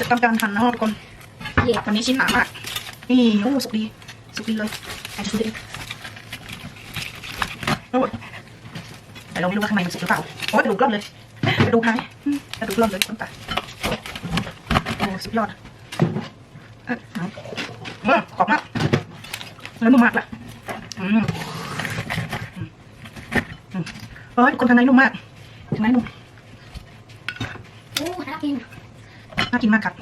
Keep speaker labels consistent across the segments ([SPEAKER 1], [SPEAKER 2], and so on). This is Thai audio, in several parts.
[SPEAKER 1] ทำการหั่นนะทุกคนวันนี้ชิ้นหนามากนี่โอ้สุกดีเลยใครจะซื้อเองโอ้ยแต่เราไม่รู้ว่าข้างในมันสุกหรือเปล่าโอ้ยกระดูกร่อนเลยกระดูกหายกระดูกร่อนเลยคนตาโอ้สุดยอดกรอบมากแล้วนุ่มมากละโอ้ยคนทางในนุ่มมากทางในนุ่ม
[SPEAKER 2] โอ้น่ากิน
[SPEAKER 1] มากครับ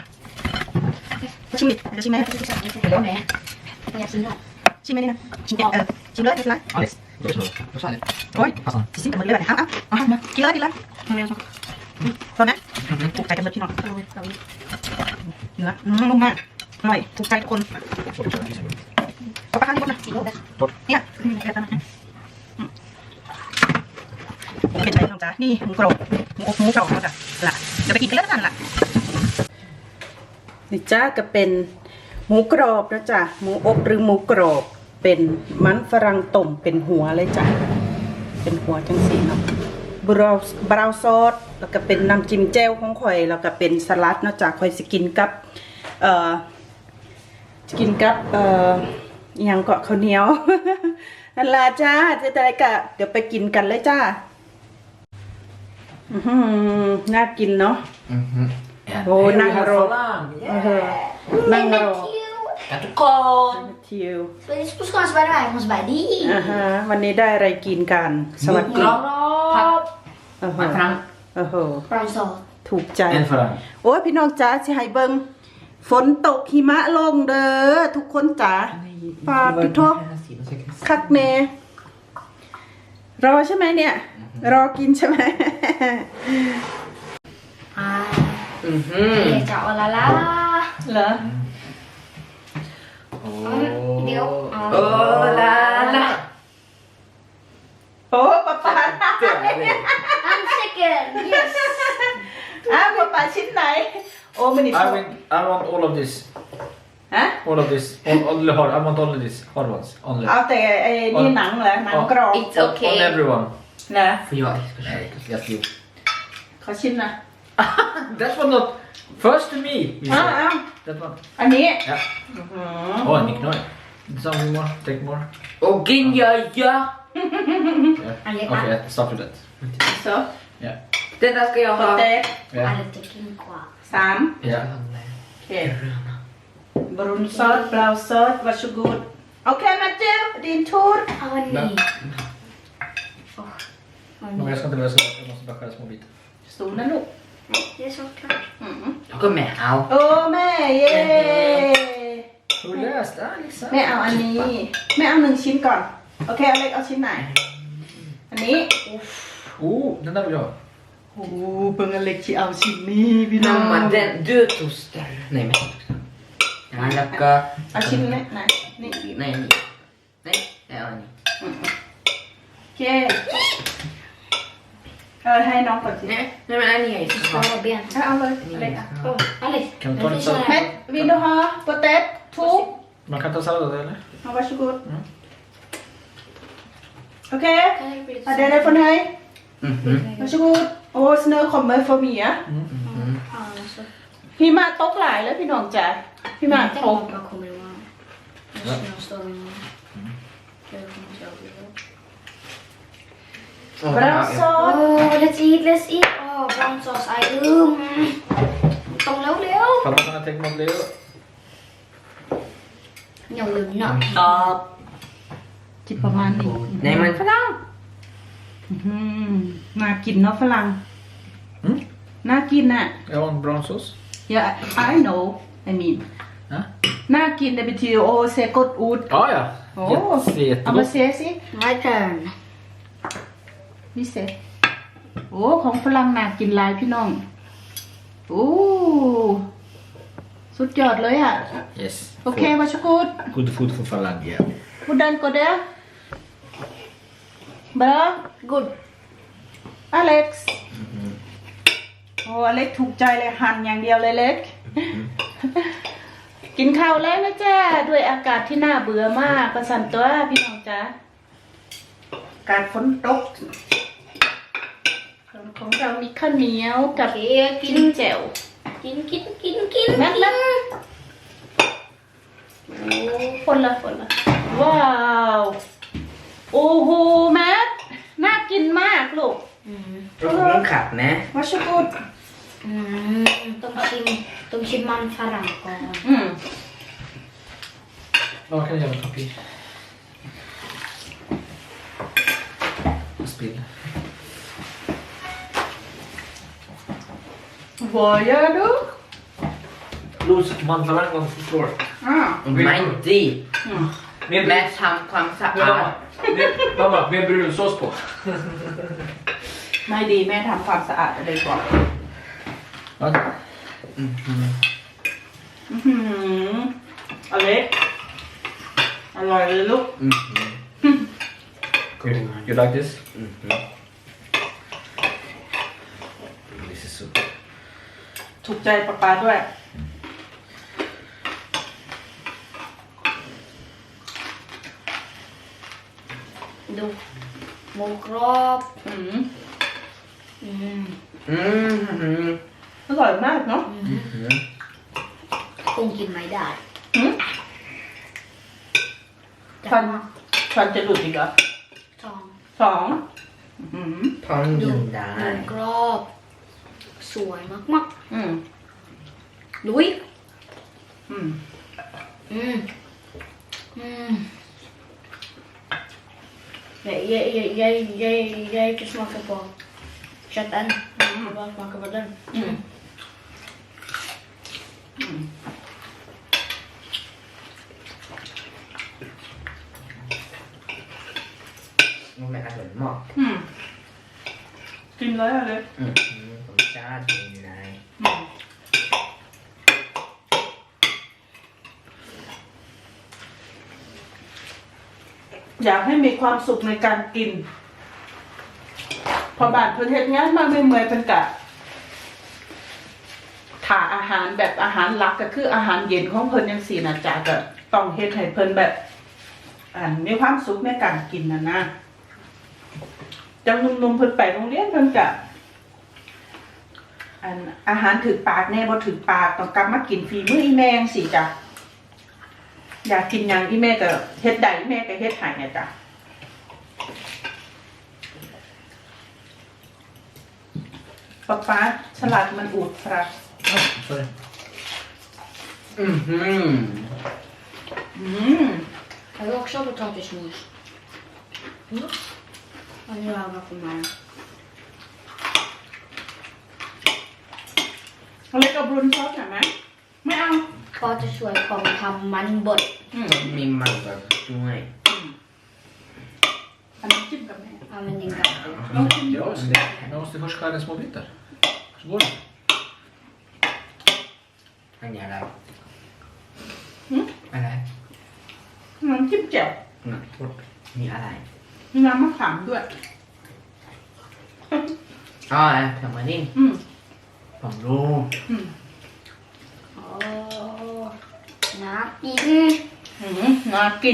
[SPEAKER 1] ชิมดิจะชิมไหม
[SPEAKER 2] เดี๋ยวแม่ไม่อยากชิมหรอก
[SPEAKER 1] ชิมไหมนี่นะชิมชิมเลยไม่เป็นไรโอ้ยชิมกับมือเลยแบบเอามากินเลยเร็วตอนนี้ถูกใจกันเลยพี่น้องเนื้อนุ่มมากอร่อยถูกใจทุกคนเอาไปข้างที่บนนะเนี่ยแบบนั้นเป็นใจน้องจ๋านี่หมูกรอบหมูกรอบจ้ะล่ะเดี๋ยวไปกินกันแล้วกันล่ะนี่จ้าก็เป็นหมูกรอบนะจ๊ะหมูอบหรือหมูกรอบเป็นมันฝรั่งต้มเป็นหัวเลยจ้ะเป็นหัวจังสีเนาะบราวซอสแล้วก็เป็นน้ำจิ้มแจ่วของข่อยแล้วก็เป็นสลัดนะจ๊ะข่อยสกินกับอย่างเกาะข้าวเหนียวนั่นล่ะจ้าจะอะไรกะเดี๋ยวไปกินกันเลยจ้าน่ากินเนาะโอ้นั่งรอนั่งรอ
[SPEAKER 2] ทุกคน
[SPEAKER 1] ทิว
[SPEAKER 2] สวัสดีผู้ชมสบายดีสบายดี
[SPEAKER 1] วันนี้ได้อะไรกินกันสวัสดี
[SPEAKER 2] ผัก
[SPEAKER 3] ฝรั่ง
[SPEAKER 2] ปลาซอส
[SPEAKER 1] ถูกใจโอ้ยพี่น้องจ๋าสิให้เบิ่งฝนตกหิมะลงเด้อทุกคนจ๋าปาปิโทคักเนรอใช่ไหมเนี่ยรอกินใช่ไหม
[SPEAKER 2] จะเอาละล่ะ
[SPEAKER 1] เหรอ
[SPEAKER 2] เดี๋ยว
[SPEAKER 1] โอ้ละโอ้ป๊าป๊า
[SPEAKER 2] I'm second yes
[SPEAKER 1] ป๊าป๊าชิ้นไหนโอ้มันนี่
[SPEAKER 3] I want all of this
[SPEAKER 1] ฮะ
[SPEAKER 3] all of this only hard I want only this hard ones only
[SPEAKER 1] เอาแต่ไอ้นี่หนังเหรอหนังกรอบ
[SPEAKER 2] It's okay
[SPEAKER 3] on everyone
[SPEAKER 1] นะ
[SPEAKER 3] for you yes you
[SPEAKER 1] ขอชิมนะ
[SPEAKER 3] that one not first to me that one
[SPEAKER 1] อันนี้
[SPEAKER 3] yeah oh Nick no some more take more
[SPEAKER 2] กินเยอะ
[SPEAKER 3] okay stop with that
[SPEAKER 1] so
[SPEAKER 3] yeah
[SPEAKER 2] Den ska jag ha.
[SPEAKER 3] Ja.
[SPEAKER 2] Lite kvar.
[SPEAKER 1] 3
[SPEAKER 3] ja
[SPEAKER 1] okej brun sås blå sås varsågod okej Matthew din tur
[SPEAKER 2] nej
[SPEAKER 3] men jag ska inte lösa det jag måste bara skära små bitar
[SPEAKER 1] stor nu
[SPEAKER 2] det är så klart
[SPEAKER 3] jag går med au
[SPEAKER 1] โอ้แม่เย้
[SPEAKER 3] hur löst Alexa
[SPEAKER 1] แม่เอาอันนี้แม่เอา1ชิ้นก่อนโอเคอเล็กเอาชิ้นไหนอันนี้
[SPEAKER 3] den där vill jag ha
[SPEAKER 1] โอ้เบิ่งอเล็กสิเอาชิ้นนี้พี่น้อง
[SPEAKER 4] Mamma, du toastar. Nej, men jag lägger...
[SPEAKER 1] เอาชิ้นนี้ไหนนี่
[SPEAKER 4] Nej, det är ni.
[SPEAKER 1] โอเคให้น้องก่อนสิ
[SPEAKER 4] Nej, men är ni här?
[SPEAKER 2] Skala ben.
[SPEAKER 1] เอาเลยอเล็กอ่ะ
[SPEAKER 2] Alex.
[SPEAKER 3] kan du ta lite sallad
[SPEAKER 1] เม็ดวินดูฮะโปเตตทู
[SPEAKER 3] man kan ta sallad eller
[SPEAKER 1] เอาvarsågod โอเคอะเดี๋ยวได้คนให้ varsågod โอ้snö kommer för mycket พี่มาตกหลายแล้วพี่น้องจ๋าพี่มาตกbrown sauce
[SPEAKER 2] let's eat brown sauce ไอ้ต้องเร็ว
[SPEAKER 3] pappa kan jag tänka mig Leo
[SPEAKER 2] ๆอย่าลืมหน่อย
[SPEAKER 1] จิบประมาณนี้
[SPEAKER 4] Nej, men fram.
[SPEAKER 1] น่ากินเนาะฝรั่งน่ากินอ่ะ
[SPEAKER 3] jag har en brown sauce
[SPEAKER 1] yeah I know I mean น่ากินdet betyderโอ้เซกดอูด
[SPEAKER 3] ja
[SPEAKER 1] โอ้
[SPEAKER 3] jättegott
[SPEAKER 1] เอามาเซสิ
[SPEAKER 2] my turn
[SPEAKER 1] นี่เซโอ้ของฝรั่งน่ากินหลายพี่น้องโอ้สุดยอดเลยอ่ะ
[SPEAKER 3] yes
[SPEAKER 1] โอเคvarsågod
[SPEAKER 3] good food for Falang yeah
[SPEAKER 1] Hvordan går det? Bra?
[SPEAKER 2] good
[SPEAKER 1] Alex โอ้อเล็กถูกใจเลยหั่นอย่างเดียวเลยเล็กกินข้าวแล้วนะจ๊ะด้วยอากาศที่น่าเบื่อมากประสันตัวพี่น้องจ๊ะอากาศฝนตกของเรามีข้าวเหนียวกับจิ้มแจ่ว
[SPEAKER 2] กิน
[SPEAKER 1] แม่
[SPEAKER 2] โอ้
[SPEAKER 1] คนละว้าวโอ้โหแม่น่ากินมากลูก
[SPEAKER 4] เราคงต้องขัดนะ
[SPEAKER 1] วัชกุด
[SPEAKER 2] ต้องชิมมันฝรั่งก่อน
[SPEAKER 3] Ja, kan jag göra en kopi? Spill.
[SPEAKER 1] Vad gör du?
[SPEAKER 3] Los mandlarna on the floor.
[SPEAKER 4] ไม่ดี
[SPEAKER 3] Med
[SPEAKER 4] แม่ทำความสะอาด
[SPEAKER 3] Mamma, med brunsås på.
[SPEAKER 1] ไม่ดีแม่ทำความสะอาดอะไรก่อน
[SPEAKER 3] Vad?
[SPEAKER 1] อเล็กอร่อยเลยลูก
[SPEAKER 3] You like this? This is so.
[SPEAKER 1] ถูกใจป๊าด้วย
[SPEAKER 2] ดูหมูกรอบ
[SPEAKER 1] อร่อยมากเนาะ
[SPEAKER 2] คงกินไม่ได้
[SPEAKER 1] ฟันจะหลุดอีกเหรอ
[SPEAKER 2] สอง
[SPEAKER 1] สอง
[SPEAKER 4] พร้อมยินได้
[SPEAKER 2] หมูกรอบสวยมากๆลุยJag kan smaka på kötten. Jag bara smaka på den.
[SPEAKER 4] มันไม่อร่อยมาก
[SPEAKER 1] กินเลยอะไร
[SPEAKER 4] ผมจ้าจริงนาย
[SPEAKER 1] อยากให้มีความสุขในการกิน พอบาดเพิ่นเฮ็ดงานมาเมื่อยๆเพิ่นกะถ่าอาหารแบบอาหารหลักก็คืออาหารเย็นของเพิ่นจังซี่นะจ๊ะก็ต้องเฮ็ดให้เพิ่นแบบมีความสุขในการกินนะจังหนุ่มๆเพิ่นไปโรงเรียนเพิ่นกะอาหารถึกปากแน่บ่ถึกปากต้องกลับมากินฝีมืออีแม่จังซี่จ้ะอยากกินหยังอีแม่ก็เฮ็ดได้อีแม่ก็เฮ็ดให้เนี่ยจ้ะป๊าสลัดมันอูดครับ
[SPEAKER 3] Oh, sorry.
[SPEAKER 2] Jag vill också ha potatismos. Och nu har jag på mig.
[SPEAKER 1] เอาเล็กเอาบรุนซอสหน่อยไหมไม่เอา
[SPEAKER 2] Potatismos kommer ta man bort.
[SPEAKER 4] มีมันแบบด้วย
[SPEAKER 1] อันนี้จิ้มกับแม่
[SPEAKER 2] Använd din gaffel.
[SPEAKER 3] Jag måste först skära i små bitar. Så går det.
[SPEAKER 4] อันนี้อะไรอะไร
[SPEAKER 1] น้ำจิ้มแจ่ว
[SPEAKER 4] มีอะไร
[SPEAKER 1] มีน้ำมะขามด้วย
[SPEAKER 4] อ๋อทำมาดิผมรู้
[SPEAKER 2] Åh, nakin.
[SPEAKER 1] น่ากิน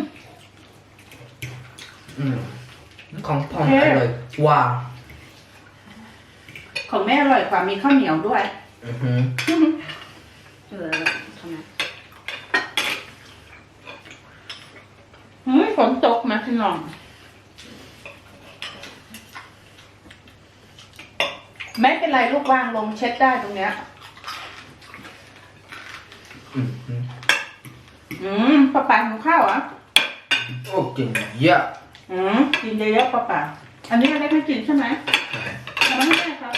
[SPEAKER 4] ของผมอร่อยกว่า
[SPEAKER 1] ของแม่อร่อยกว่ามีข้าวเหนียวด้วย
[SPEAKER 2] Ta med.
[SPEAKER 1] ฝนตกมาพี่น้องไม่เป็นไรลูกวางลงเช็ดได้ตรงเนี้ยป้าป๋าของข้าวอ่ะ
[SPEAKER 4] โอ้กินเยอะ
[SPEAKER 1] กินเยอะๆป้าป๋าอันนี้อะไรไม่กินใช่ไหมทำไมไม่ได้ครับ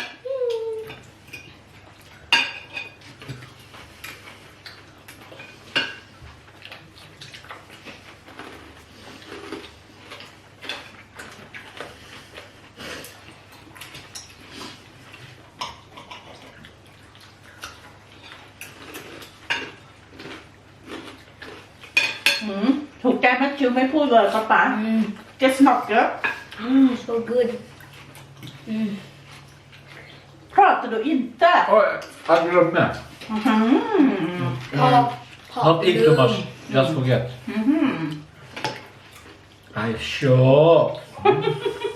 [SPEAKER 1] ถูกใจแมทธิวไม่พูดเลยป้าป๋า It's not good
[SPEAKER 2] So good.
[SPEAKER 1] Pratar du inte?
[SPEAKER 3] Oj, jag glömde. Not eat too much. Just forget. I sure.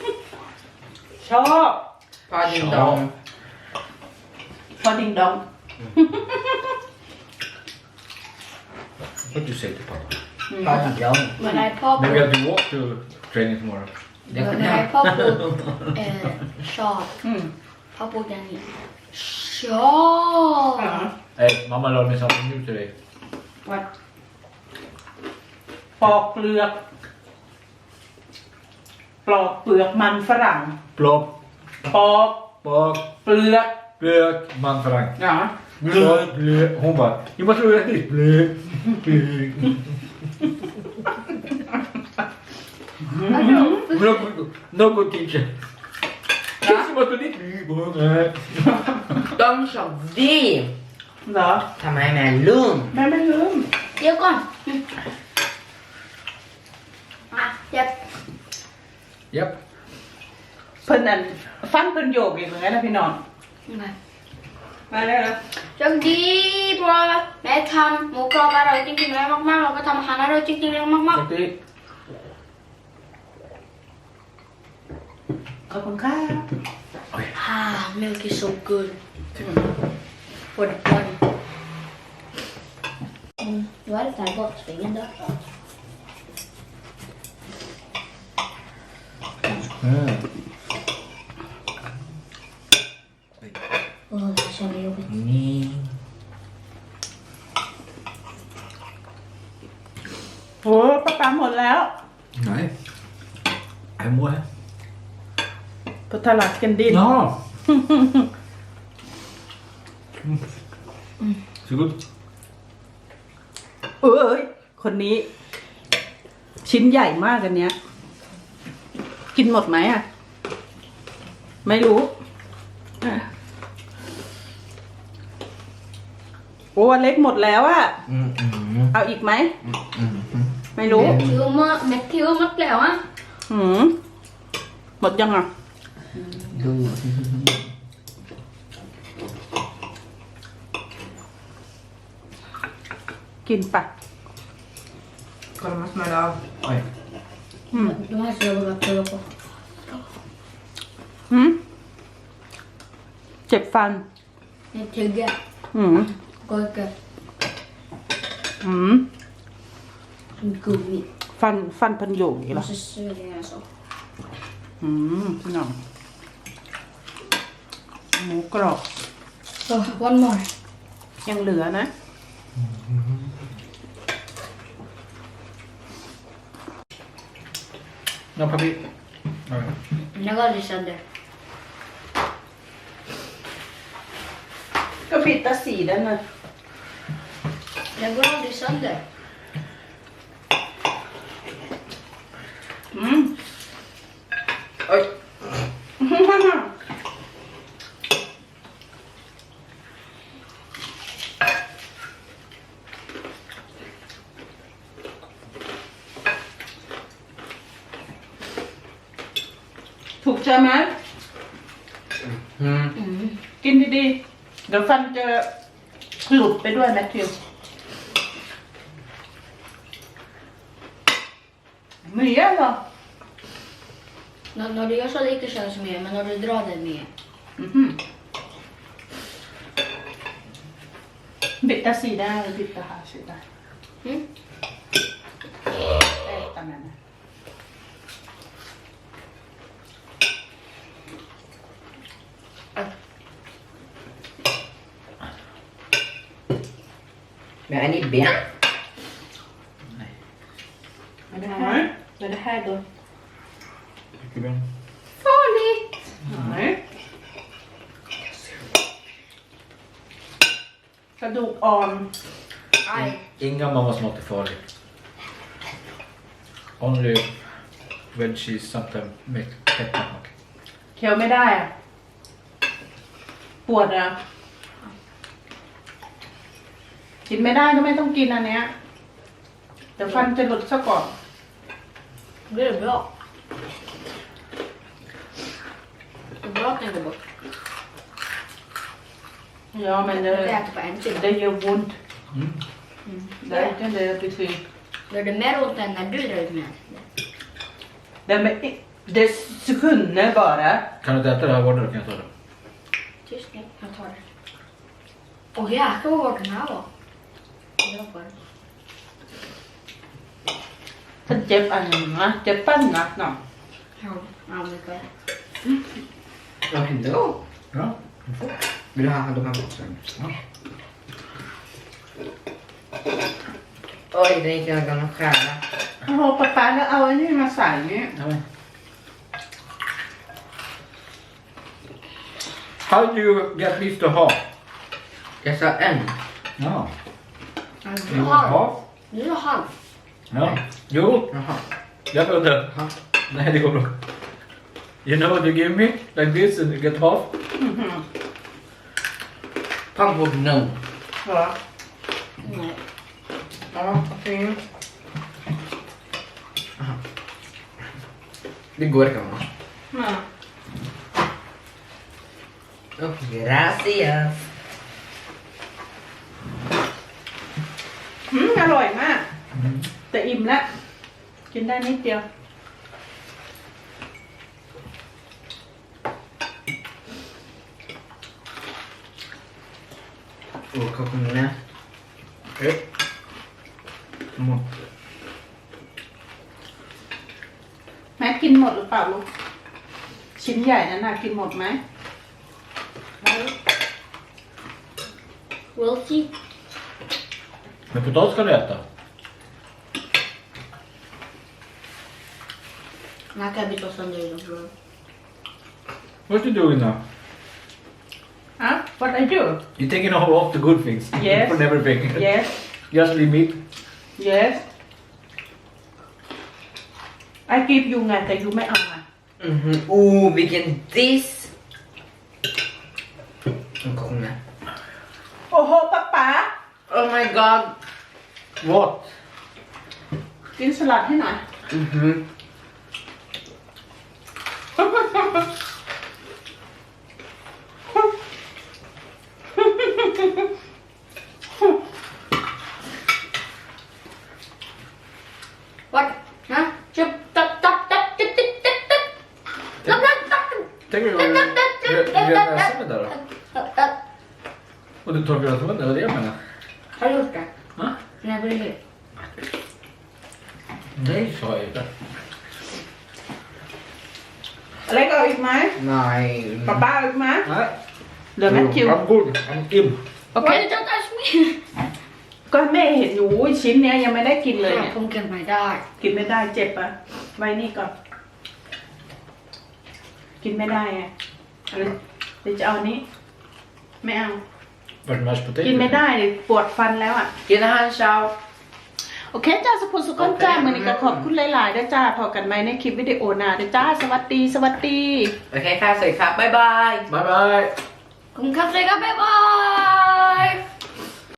[SPEAKER 1] ชอบ
[SPEAKER 4] พอดิงดอง
[SPEAKER 1] พอดิงดอง
[SPEAKER 3] What do you say to Papa?
[SPEAKER 4] Papa John.
[SPEAKER 2] When I pop
[SPEAKER 3] Maybe we have to walk to training tomorrow.
[SPEAKER 2] when I pop shot พ่อพูดอย่างนี้ shot
[SPEAKER 3] Hey, Mama learned me something new today.
[SPEAKER 1] วัดปอกเปลือกมันฝรั่ง
[SPEAKER 3] Plop,
[SPEAKER 1] ปอก
[SPEAKER 3] bak,
[SPEAKER 1] เปลือก
[SPEAKER 3] blök, manfrang.
[SPEAKER 1] เหรอ
[SPEAKER 3] Blök, blök. Hon bara, you must do it like this. Blök, blök. No good teacher. Kids must do this. Blök.
[SPEAKER 4] De sa vi.
[SPEAKER 1] เหรอ
[SPEAKER 4] ทำไมแม่ลืม
[SPEAKER 1] แม่ไม่ลืม
[SPEAKER 2] เดี๋ยวก่อนเจ็บ
[SPEAKER 3] Yep.
[SPEAKER 1] เพิ่นอันฟันเพิ่นโยกอีกเหมือนกันนะพี่น้องมาเลยนะ
[SPEAKER 2] จังดีเพราะแม่ทำหมูกรอบอร่อยจริงๆแล้วมากๆเราก็ทำอาหารอร่อยจริงๆแล้วมาก
[SPEAKER 3] Take it.
[SPEAKER 1] ขอบคุณค่ะ
[SPEAKER 2] ๆmilk is so good for the body ดูว่าจะใส่บดสเปนด้วย โอ้ยชอบเลย
[SPEAKER 4] นี่
[SPEAKER 1] โอ้ป้าปาหมดแล้ว
[SPEAKER 3] Nej. En more här.
[SPEAKER 1] พุทธลักษณ์กันดิน
[SPEAKER 3] Ja. Så god.
[SPEAKER 1] เอ้ยคนนี้ ชิ้นใหญ่มากอันเนี้ย กินหมดไหมอ่ะ ไม่รู้อ่ะโอ้อันเล็กหมดแล้วอ่ะ เอาอีกไหม ไม่รู้
[SPEAKER 2] คิวมาแมทธิวมัดแล้วอ่ะ
[SPEAKER 1] หมดยังอ่ะ
[SPEAKER 4] ดู
[SPEAKER 1] กินปะ
[SPEAKER 4] Kolmas med av.
[SPEAKER 3] Oj.
[SPEAKER 2] ดูให้เสือแบบเสือปะ
[SPEAKER 1] เจ็บฟัน
[SPEAKER 2] นี่ถึงแกก็แกกูมี
[SPEAKER 1] ฟันพันโยกอย่างนี้เหรอ
[SPEAKER 2] måste svälja så
[SPEAKER 1] พี่น้องหมูกรอบ
[SPEAKER 2] so one more
[SPEAKER 1] ยังเหลือนะ
[SPEAKER 3] No, papi. Alright.
[SPEAKER 2] jag går aldrig sönder
[SPEAKER 1] ก็ปิดตาสีด้านนะ
[SPEAKER 2] jag går aldrig sönder
[SPEAKER 1] เอ้ย ถูกใจไหมกินดีๆ เดี๋ยวฟันจะหลุดไปด้วยแมทธิวไม่เยอะหรอ
[SPEAKER 2] när du gör så lite känns mer men när du drar den mer
[SPEAKER 1] บิดตาสีได้หรือบิดตาหาสีได้ตามนั้นนะ
[SPEAKER 4] Men är ni ben?
[SPEAKER 1] ไม่ได้ไม่ได้ให้ดู
[SPEAKER 3] Tycker du?
[SPEAKER 2] farligt
[SPEAKER 1] กระดูกอ่อน
[SPEAKER 2] aj
[SPEAKER 3] Inga mammas mat är farlig. Only when she sometimes make peppermint.
[SPEAKER 1] เคี้ยวไม่ได้อะปวดอะกินไม่ได้ก็ไม่ต้องกินอันเนี้ยเดี๋ยวฟันจะหลุดซะก่อน
[SPEAKER 2] det är bra det är bra att den går bort
[SPEAKER 1] Ja, men
[SPEAKER 2] jag
[SPEAKER 1] det
[SPEAKER 2] äter på en sida
[SPEAKER 1] gör ont. Det kan det betyda.
[SPEAKER 2] gör det mer ont än när du drar ut med
[SPEAKER 1] Det sekunder bara.
[SPEAKER 3] Kan du inte äta det här hårdare kan jag ta det.
[SPEAKER 2] tyst nu jag tar det Och ja, jag var den här var. Jag var.
[SPEAKER 1] ฉันเจ็บอันหนึงนะเจ็บปั้นหนักหน่อย
[SPEAKER 2] Ja, ja men det.
[SPEAKER 4] Vad hände då?
[SPEAKER 3] Ja.
[SPEAKER 4] Vill du ha de här också?
[SPEAKER 3] Ja.
[SPEAKER 4] Oj, det gick jag gamla skära.
[SPEAKER 1] โอ้โหป๊าแล้วเอาอันนี้มาใส่นี่
[SPEAKER 3] Ja, men. How do you get this to half?
[SPEAKER 4] Jag sa en.
[SPEAKER 3] Ja.
[SPEAKER 2] Du
[SPEAKER 3] You want
[SPEAKER 2] har.
[SPEAKER 3] half?
[SPEAKER 2] Du har halv.
[SPEAKER 3] Ja. Jo,
[SPEAKER 4] Jaha.
[SPEAKER 3] jag får inte.
[SPEAKER 4] Ja.
[SPEAKER 3] Nej, det går bra. You know what you give me? Like this and you get half?
[SPEAKER 1] อื้อหือ
[SPEAKER 4] Pang på no.
[SPEAKER 1] เหรอ
[SPEAKER 2] Nej.
[SPEAKER 1] อ๋อโอเค
[SPEAKER 4] Det går kan man.
[SPEAKER 1] มา
[SPEAKER 4] Oh, gracias.
[SPEAKER 1] อร่อยมาก แต่อิ่มแล้ว กินได้นิดเดียว
[SPEAKER 4] Oh, kokosnöt.
[SPEAKER 3] Come on.
[SPEAKER 1] แม่กินหมดหรือเปล่าลูก ชิ้นใหญ่นั้นน่ะกินหมดไหม
[SPEAKER 2] We'll see.
[SPEAKER 3] Men potatis ska du äta.
[SPEAKER 2] Jag kan byta sönder den bror.
[SPEAKER 3] What you doing now?
[SPEAKER 1] อ่ะ what are you
[SPEAKER 3] You're taking all the good things.
[SPEAKER 1] Yes.
[SPEAKER 3] From everything.
[SPEAKER 1] yes
[SPEAKER 3] Just leave meat.
[SPEAKER 1] yes I give you ไงแต่ยูไม่เอามา
[SPEAKER 4] Mhm. Oh, vilken diss. En kokosnöt.
[SPEAKER 1] โอ้โหป๊าป๊า
[SPEAKER 4] Oh my god.
[SPEAKER 3] What?
[SPEAKER 1] กินสลัดให้หน่อย
[SPEAKER 4] Mhm.
[SPEAKER 2] What? Hä? Köp, tapp, tapp, tapp, tapp, tapp, tapp, tapp. Tapp, tapp, tapp.
[SPEAKER 3] Tänk om du gör näsa med det då?
[SPEAKER 2] Tapp, tapp.
[SPEAKER 3] Och du torkar ut munnen, det var det jag menade.
[SPEAKER 2] Har du gjort det?
[SPEAKER 3] Va?
[SPEAKER 2] Nej, vad är det?
[SPEAKER 3] Nej, sa jag inte.
[SPEAKER 1] อะไรก็เอาอีกไหม
[SPEAKER 4] Nej.
[SPEAKER 1] ป๊าป๊าเอาอีกไหม
[SPEAKER 3] Nej.
[SPEAKER 1] เหลือแมทธิว
[SPEAKER 3] I'm good. I'm in.
[SPEAKER 1] โอเค
[SPEAKER 2] Why did you touch me?
[SPEAKER 1] ก็แม่เห็นอยู่ชิ้นเนี้ยยังไม่ได้กินเลยเนี่ย
[SPEAKER 2] Hon kan mig där.
[SPEAKER 1] กินไม่ได้เจ็บอ่ะ ไว้นี่ก่อน กินไม่ได้ไงเดี๋ยวจะเอาอันนี้ ไม่เอา
[SPEAKER 3] Vart är mashed potato?
[SPEAKER 1] กินไม่ได้ปวดฟันแล้วอ่ะ
[SPEAKER 4] Gilla han ciao.
[SPEAKER 1] โอเคจ้าสุภสุขคนจ้ามือนี้ก็ขอบคุณหลายๆด้วยจ้าพอกันไหมในคลิปวิดีโอหน้าด้วยจ้า สวัสดี สวัสดี
[SPEAKER 4] Okej,ค่ะสวัสดีครับบ๊ายบาย
[SPEAKER 3] Bye bye.
[SPEAKER 2] Hon kan säga bye bye.